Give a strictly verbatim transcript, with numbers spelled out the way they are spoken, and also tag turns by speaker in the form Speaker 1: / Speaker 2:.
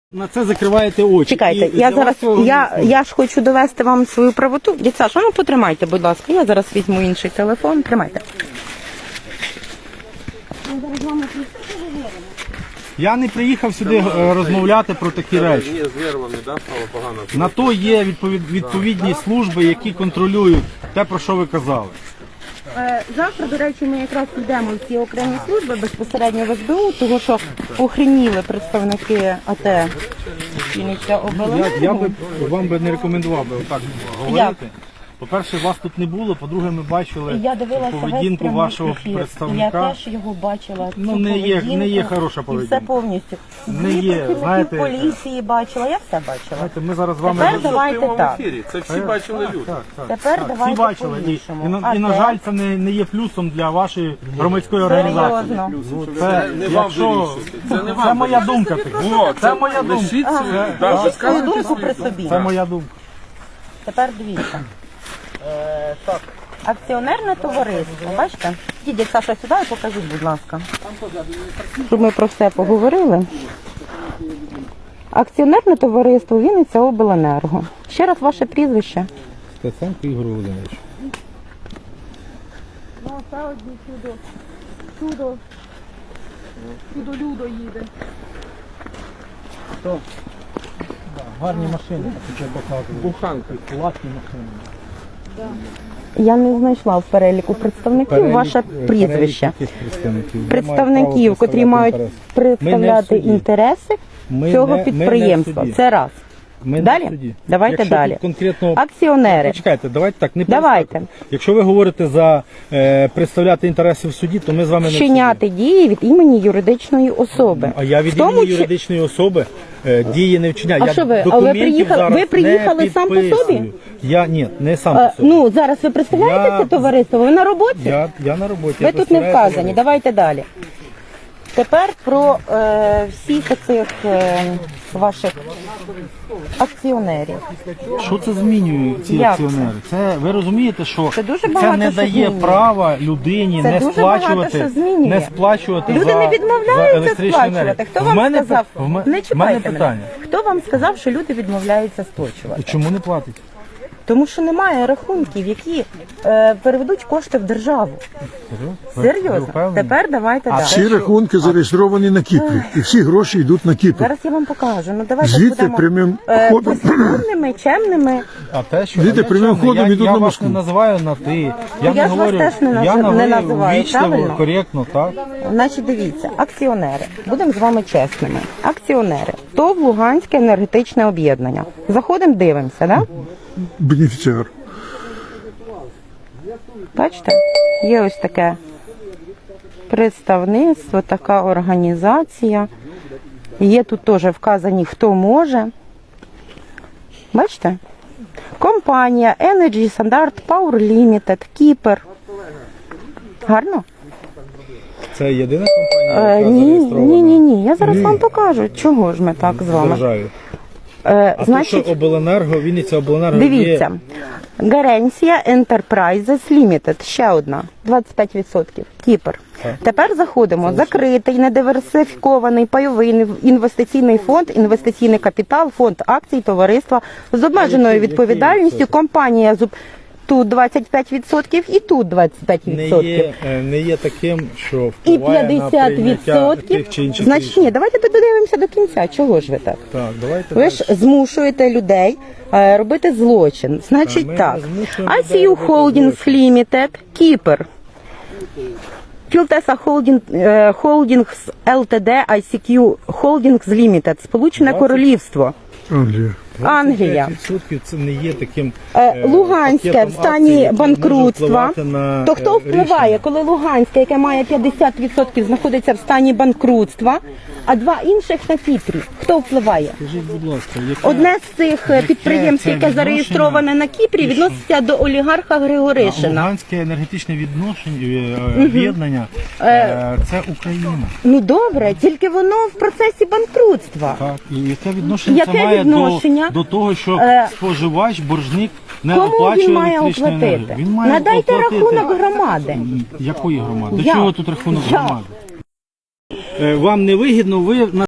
Speaker 1: На це закриваєте очі.
Speaker 2: Чекайте,
Speaker 1: І
Speaker 2: я
Speaker 1: для
Speaker 2: зараз,
Speaker 1: вас
Speaker 2: я, я ж хочу довести вам свою правоту. Дядь Саша, ну потримайте, будь ласка, я зараз візьму інший телефон, тримайте.
Speaker 1: Я не приїхав сюди е, розмовляти про такі речі.
Speaker 3: Ні, з нервами, да, стало погано.
Speaker 1: На то є відповід, відповідні служби, які контролюють те, про що ви казали.
Speaker 2: Завтра, до речі, ми якраз йдемо в ці окремі служби безпосередньо в ес бе у, тому що охреніли представники АТ Вінниця обленерго.
Speaker 1: Я, я би вам би не рекомендував би отак говорити. По-перше, вас тут не було, по-друге, ми бачили
Speaker 2: Я дивилася
Speaker 1: поведінку
Speaker 2: весь
Speaker 1: вашого
Speaker 2: ефір.
Speaker 1: представника.
Speaker 2: Я теж його бачила.
Speaker 1: Ну,
Speaker 2: цю
Speaker 1: не є-
Speaker 2: поведінку,
Speaker 1: не є хороша
Speaker 2: І
Speaker 1: поведінка.
Speaker 2: все повністю.
Speaker 1: Не
Speaker 2: Дві
Speaker 1: є,
Speaker 2: працівників
Speaker 1: знаєте,
Speaker 2: поліції бачила, я все бачила.
Speaker 1: Знаєте, ми зараз з вами...
Speaker 2: Тепер
Speaker 1: роз-
Speaker 2: давайте
Speaker 3: В прямому
Speaker 2: так.
Speaker 3: ефірі. Це всі бачили люди.
Speaker 1: Так, так,
Speaker 2: Тепер
Speaker 1: так.
Speaker 2: давайте
Speaker 1: Всі бачили. І,
Speaker 2: по-іншому.
Speaker 1: і, на,
Speaker 2: А
Speaker 1: і, на
Speaker 2: те?
Speaker 1: жаль, це не, не є плюсом для вашої громадської організації.
Speaker 2: Серйозно.
Speaker 1: Це,
Speaker 3: Не вам
Speaker 1: якщо,
Speaker 3: вирішувати. Це не
Speaker 1: це
Speaker 3: вам
Speaker 1: моя
Speaker 3: вирішувати.
Speaker 1: думка. така.
Speaker 3: О,
Speaker 1: Це моя думка.
Speaker 3: лишіть
Speaker 2: Ага.
Speaker 3: собі.
Speaker 1: Це-
Speaker 3: Да,
Speaker 1: так.
Speaker 3: ви
Speaker 2: Свою
Speaker 3: скажете
Speaker 2: думку
Speaker 3: свою
Speaker 2: при
Speaker 3: думку.
Speaker 2: собі.
Speaker 1: Це моя думка.
Speaker 2: Тепер дивіться. Е, так. Акціонерне товариство, бачите? Дідь Саша сюди і покажіть, будь ласка. Щоб ми про все поговорили. Акціонерне товариство Вінниця обленерго. Ще раз ваше прізвище.
Speaker 1: Стеценко Ігор Володимирович.
Speaker 4: Ну, це одні чудо. Чудо. Чудо-людо їде.
Speaker 1: Гарні машини, такі показують.
Speaker 3: Буханка.
Speaker 1: Класні машини.
Speaker 2: Я не знайшла в переліку представників ваше прізвище. Представників, котрі мають представляти
Speaker 1: суді.
Speaker 2: інтереси
Speaker 1: Ми
Speaker 2: цього
Speaker 1: не- ми не в
Speaker 2: підприємства.
Speaker 1: суді.
Speaker 2: Це раз.
Speaker 1: Ми не
Speaker 2: Далі?
Speaker 1: в суді.
Speaker 2: Давайте
Speaker 1: Якщо
Speaker 2: далі.
Speaker 1: тут конкретно...
Speaker 2: Акціонери.
Speaker 1: Почекайте, давайте так, не
Speaker 2: Давайте.
Speaker 1: перескакуйте. Якщо ви говорите за е, представляти інтереси в суді, то ми з вами не в суді.
Speaker 2: Вчиняти дії від імені юридичної особи.
Speaker 1: А я від
Speaker 2: В тому
Speaker 1: імені
Speaker 2: чи-
Speaker 1: юридичної особи е, дії не вчиняю.
Speaker 2: А
Speaker 1: Я
Speaker 2: що ви, а ви
Speaker 1: документів
Speaker 2: приїхали-
Speaker 1: зараз
Speaker 2: ви приїхали
Speaker 1: не
Speaker 2: сам по
Speaker 1: підписую.
Speaker 2: собі?
Speaker 1: Я ні, не сам
Speaker 2: Е,
Speaker 1: по собі.
Speaker 2: ну, зараз ви представляєте
Speaker 1: Я-
Speaker 2: це товариство? Ви на роботі?
Speaker 1: Я, я на роботі.
Speaker 2: Ви
Speaker 1: я
Speaker 2: тут не
Speaker 1: представляю
Speaker 2: вказані.
Speaker 1: товариство.
Speaker 2: Давайте далі. Тепер про е, всіх цих е, ваших акціонерів.
Speaker 1: Що це змінює ці
Speaker 2: Як
Speaker 1: акціонери? Це ви розумієте, що
Speaker 2: Це дуже
Speaker 1: це
Speaker 2: багато
Speaker 1: не
Speaker 2: що
Speaker 1: дає
Speaker 2: змінює.
Speaker 1: права людині
Speaker 2: Це
Speaker 1: не
Speaker 2: дуже багато
Speaker 1: сплачувати,
Speaker 2: що змінює.
Speaker 1: не сплачувати
Speaker 2: Люди
Speaker 1: за,
Speaker 2: не
Speaker 1: за
Speaker 2: відмовляються
Speaker 1: електричну
Speaker 2: сплачувати.
Speaker 1: енергію.
Speaker 2: Хто
Speaker 1: В
Speaker 2: вам
Speaker 1: мене,
Speaker 2: сказав?
Speaker 1: в м-
Speaker 2: Не
Speaker 1: в мене
Speaker 2: чіпайте
Speaker 1: питання.
Speaker 2: мене. Хто вам сказав, що люди відмовляються сплачувати?
Speaker 1: Чому не платить?
Speaker 2: Тому що немає рахунків, які е, переведуть кошти в державу.
Speaker 1: Ви- ви
Speaker 2: Серйозно.
Speaker 1: впевнені?
Speaker 2: Тепер давайте далі.
Speaker 5: Всі рахунки зареєстровані на Кіпрі, і всі гроші йдуть на Кіпр.
Speaker 2: Зараз я вам покажу. Ну давайте
Speaker 5: Звідти
Speaker 2: будемо
Speaker 5: прямим
Speaker 2: е,
Speaker 5: ходом.
Speaker 2: послідовними, чемними.
Speaker 1: А те, що
Speaker 5: Діти
Speaker 1: я
Speaker 5: прямим
Speaker 1: чемний,
Speaker 5: ходом
Speaker 1: я,
Speaker 5: йдуть
Speaker 1: я
Speaker 5: на
Speaker 1: вас
Speaker 5: Москву.
Speaker 1: не називаю на ти. Я,
Speaker 2: Я
Speaker 1: не
Speaker 2: ж вас
Speaker 1: говорю,
Speaker 2: теж не наз-
Speaker 1: я
Speaker 2: не
Speaker 1: говорю
Speaker 2: називаю,
Speaker 1: ввічливо,
Speaker 2: правильно?
Speaker 1: коректно, так?
Speaker 2: Значить, дивіться, акціонери. Будемо з вами чесними. Акціонери. ТОВ Луганське енергетичне об'єднання. Заходимо, дивимося, да?
Speaker 5: Бенефіціар.
Speaker 2: Бачите? Є ось таке представництво, така організація. Є тут теж вказані, хто може. Бачите? Компанія Energy Standard Power Limited, Кіпр. Гарно?
Speaker 1: Це єдина компанія,
Speaker 2: Е,
Speaker 1: яка
Speaker 2: ні,
Speaker 1: зареєстрована
Speaker 2: ні, ні, ні. Я зараз вам покажу, чого ж ми так з
Speaker 1: в
Speaker 2: вами.
Speaker 1: державі.
Speaker 2: Е,
Speaker 1: А
Speaker 2: значить,
Speaker 1: то, що обленерго, Вінниця обленерго
Speaker 2: дивіться.
Speaker 1: є...
Speaker 2: Гарантія Enterprises Limited, ще одна, двадцять п'ять відсотків, Кіпр. Тепер заходимо. Закритий, недиверсифікований пайовий інвестиційний фонд, інвестиційний капітал, фонд акцій, товариства з обмеженою
Speaker 1: Який-
Speaker 2: відповідальністю,
Speaker 1: який
Speaker 2: компанія зуб. Тут двадцять п'ять відсотків і тут двадцять п'ять
Speaker 1: не
Speaker 2: відсотків.
Speaker 1: є, е, не є таким, що
Speaker 2: І
Speaker 1: впливає на
Speaker 2: п'ятдесят
Speaker 1: прийняття
Speaker 2: відсотків.
Speaker 1: тих чи інших
Speaker 2: Значить,
Speaker 1: рішень.
Speaker 2: ні, давайте додивимося до кінця. Чого ж ви так?
Speaker 1: Так, давайте
Speaker 2: Ви
Speaker 1: далі.
Speaker 2: ж змушуєте людей е, робити злочин. Значить
Speaker 1: ми
Speaker 2: так.
Speaker 1: не змушуємо людей
Speaker 2: ай сі ю
Speaker 1: робити
Speaker 2: Holdings Limited, Кіпр. Філтеса Holding, е, Holdings ел те ді, ай сі кью Holdings Limited, Сполучене
Speaker 1: двадцять
Speaker 2: Королівство.
Speaker 5: Англія.
Speaker 2: Англія.
Speaker 1: двадцять п'ять відсотків це не є таким
Speaker 2: Е,
Speaker 1: е,
Speaker 2: Луганське
Speaker 1: пакетом
Speaker 2: в стані
Speaker 1: акцій, який може
Speaker 2: банкрутства.
Speaker 1: впливати на,
Speaker 2: То хто
Speaker 1: е,
Speaker 2: впливає,
Speaker 1: рішення.
Speaker 2: коли Луганське, яке має п'ятдесят відсотків, знаходиться в стані банкрутства, а два інших на Кіпрі? Хто впливає?
Speaker 1: Скажіть, будь ласка, яке,
Speaker 2: Одне з цих
Speaker 1: Яке
Speaker 2: підприємств,
Speaker 1: це
Speaker 2: яке
Speaker 1: відношення?
Speaker 2: зареєстроване на Кіпрі, відноситься до олігарха Григоришина.
Speaker 1: Луганське енергетичне відношення, е, об'єднання, е, це Україна.
Speaker 2: Ну добре, тільки воно в процесі банкрутства.
Speaker 1: Так, і яке відношення
Speaker 2: Яке
Speaker 1: це має
Speaker 2: відношення?
Speaker 1: До, до того, що
Speaker 2: Е,
Speaker 1: споживач, боржник не
Speaker 2: Кому
Speaker 1: оплачує
Speaker 2: він має
Speaker 1: електричну
Speaker 2: оплатити?
Speaker 1: енергію? Він має
Speaker 2: Надайте
Speaker 1: оплатити...
Speaker 2: рахунок громади.
Speaker 1: Якої громади? До
Speaker 2: Як?
Speaker 1: чого тут рахунок
Speaker 2: Як?
Speaker 1: громади? Е, Вам не вигідно, ви